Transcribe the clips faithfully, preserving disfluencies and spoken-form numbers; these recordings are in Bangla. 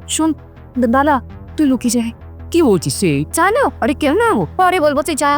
শোন দাদা, তুই লুকিয়ে যায়। কি বলছিস সে? জানো আরে কেউ না, পরে বলবো, তুই যা।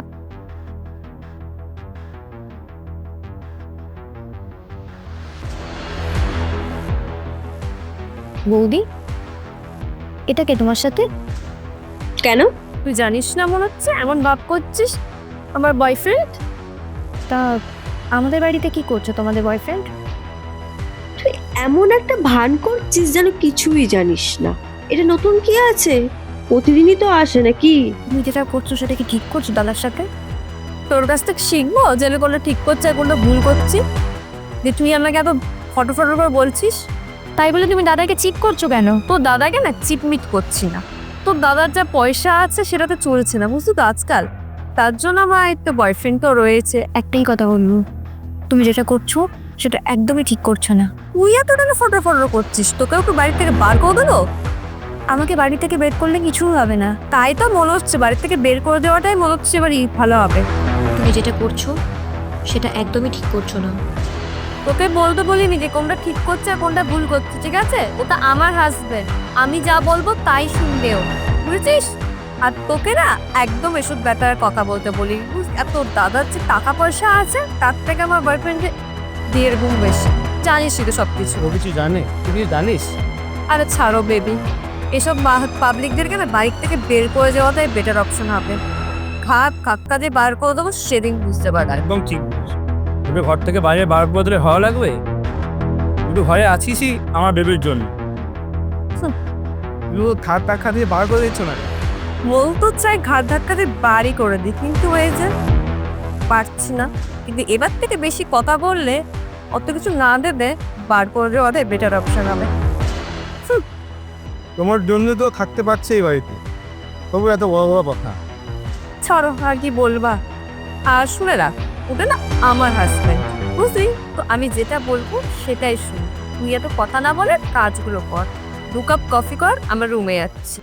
বৌদি, এটা কে তোমার সাথে? কেন? তুই জানিস না মনে হচ্ছে, এমন ভাব করছিস আমার বয়ফ্রেন্ড। তা আমাদের বাড়িতে কি করছো তোমাদের বয়ফ্রেন্ড? তুই এমন একটা ভান করছিস যেন কিছুই জানিস না। এটা নতুন কি আছে? প্রতিদিনই তো আসে নাকি? তুমি যেটা করছো সেটা কি ঠিক করছো দাদার সাথে? তোর কাছ থেকে শিখবো যে আমি কোনটা ঠিক করছি আর কোনটা ভুল করছি? যে তুই আমাকে এত ফটো ফটো করে বলছিস, তাই বলে তুমি দাদাকে চিট করছো কেন? তোর দাদাকে না চিটমিট করছি না, তোর দাদার যা পয়সা আছে সেটাতে চলছে না, বুঝলি তো আজকাল। তার জন্য আমার একটা বয়ফ্রেন্ড তো রয়েছে। একটাই কথা বলবো, তুমি যেটা করছো সেটা একদমই ঠিক করছো না। তুই এত টাকা ফটো ফটো করছিস, তোকে ওকে বাড়ি থেকে বার করে দেবো? আমাকে বাড়ি থেকে বের করলে কিছু হবে না, তাই তো মনে হচ্ছে বাড়ি থেকে বের করে দেওয়াটাই মনে হচ্ছে এবারই ভালো হবে। তুমি যেটা করছো সেটা একদমই ঠিক করছো না। তোকে বলতে বলিনি যে কোনটা ঠিক করছে আর কোনটা ভুল করছে, ঠিক আছে? ওটা আমার হাজবেন্ড, আমি যা বলবো তাই শুনবে ও, বুঝেছিস? আর তোকে না একদম এসব ব্যাটার কথা বলতে বলি। আর তোর দাদার যে টাকা পয়সা আছে তার থেকে আমার বয়ফ্রেন্ডের দেড় গুণ বেশি, জানিসই তো সব কিছু। ও কিছু জানে? তুই কিছু জানিস? আরে ছাড়ো বেবি, এসব পাবলিকদেরকে না বাইক থেকে বের করে যাওয়াটাই বেটার অপশন হবে। ঘাট কাক্কা দিয়ে বার করে দেবো, সেদিন বুঝতে পারবে। একদম ঠিক বলিস। তোকে ঘর থেকে বাইরে বার বদলে হওয়া লাগবে? তুই ঘরে আছিসই আমার বেবির জন্য। তুই থার টাকা দিয়ে বার করে দিচ্ছ না? বলতো চাই ঘাট ধাক্কা দিয়ে বাড়ি করে দিই, কিন্তু হয়ে যে পারছি না। কিন্তু এবার থেকে বেশি কথা বললে অত কিছু না দেবে, বার করে দেওয়াটাই বেটার অপশন হবে। তোমার জন্য তো থাকতে পারছে এই বাড়িতে, তবু এত বড় বড় কথা। ছাড়ো, আর কি বলবা। আর শুনে রাখ, ওটা না আমার হাজব্যান্ড, বুঝলি তো? আমি যেটা বলবো সেটাই শুন। তুই এত কথা না বলে কাজগুলো কর। দু কাপ কফি কর, আমার রুমে যাচ্ছি।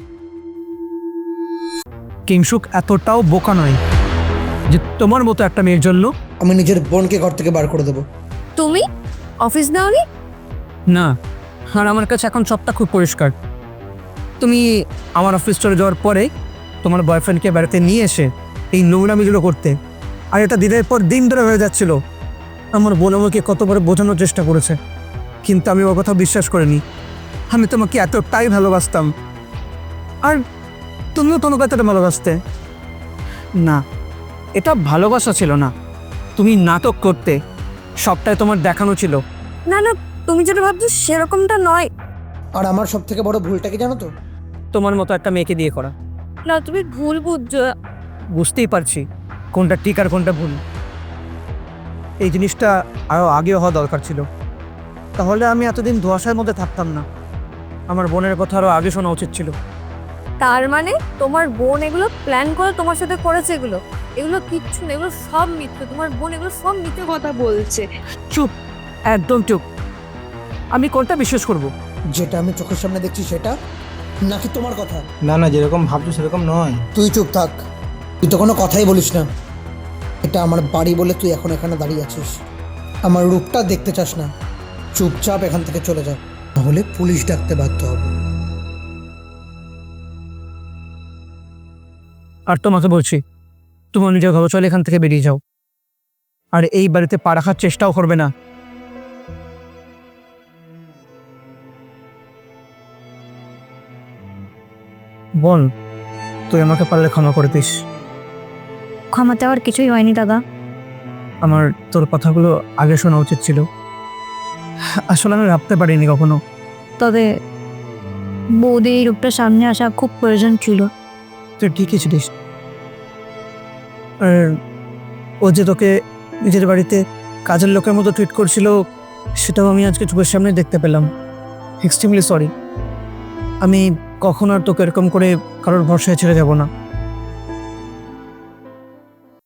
কিংসুক এতটাও বোকা নয় যে তোমার মতো একটা মেয়ের জন্য। আমি নিজের বোনকে ঘর থেকে বার করে দেবো। তুমি অফিস নাওনি? না, আর আমার কাছে এখন সবটা খুব পরিষ্কার। তুমি আমার অফিস চলে যাওয়ার পরে তোমার বয়ফ্রেন্ডকে বাড়িতে নিয়ে এসে এই নোংরামিগুলো করতে, আর এটা দিনের পর দিন ধরে হয়ে যাচ্ছিল। আমার বোন আমাকে কতবার বোঝানোর চেষ্টা করেছে, কিন্তু আমি ওর কথা বিশ্বাস করিনি। আমি তোমাকে এতটাই ভালোবাসতাম, আর তুমিও তোমাকে এতটা ভালোবাসতে। না, এটা ভালোবাসা ছিল না, তুমি নাটক করতে, সবটাই তোমার দেখানো ছিল। না না, তুমি যেটা ভাবছো সেরকমটা নয়। আর আমার সব থেকে বড় ভুলটা কি জানো তো? তোমার মতো একটা মেয়েকে দিয়ে করা। না, তুমি ভুল বুঝছো। বুঝতেই পারছি কোনটা ঠিক আর কোনটা ভুল। এই জিনিসটা আরও আগে হওয়া দরকার ছিল, তাহলে আমি এতদিন ধোঁয়াশার মধ্যে থাকতাম না। আমার বোনের কথা আরও আগে শোনা উচিত ছিল। তার মানে তোমার বোন এগুলো প্ল্যান করে তোমার সাথে করেছে? এগুলো এগুলো কিচ্ছু না, এগুলো সব মিথ্যে। তোমার বোন এগুলো সব মিথ্যে কথা বলছে। চুপ, একদম চুপ। আমি কোনটা বিশ্বাস করব? যেটা আমি চোখের সামনে দেখছি সেটা, নাকি তোমার কথা? না না, যেরকম ভাবছো সেরকম নয়। তুই চুপ থাক, তুই তো কোনো কথাই বলিস না। এটা আমার বাড়ি বলে তুই এখন এখানে দাঁড়িয়ে আছিস। আমার রূপটা দেখতে চাস না, চুপচাপ এখান থেকে চলে যা, তাহলে পুলিশ ডাকতে বাধ্য হবে। আর তোমাকে বলছি, তোমার নিজের ঘরে চলে এখান থেকে বেরিয়ে যাও, আর এই বাড়িতে পা রাখার চেষ্টাও করবে না। বোন, তুই আমাকে পারলে ক্ষমা করে দিস। ক্ষমা চাওয়ার কিছুই হয়নি দাদা। আমার তোর কথাগুলো আগে শোনা উচিত ছিল, আসলে আমি ভাবতে পারিনি কখনো। তবে বৌদি এই রূপটা সামনে আসা খুব প্রয়োজন ছিল। তুই ঠিকই ছিলিস। আর ও যে তোকে নিজের বাড়িতে কাজের লোকের মতো ট্রিট করছিল, সেটাও আমি আজকে চোখের সামনে দেখতে পেলাম। Extremely sorry. আমি কখনো আর তোকে এরকম করে কারোর ভরসায় ছেড়ে যাব না।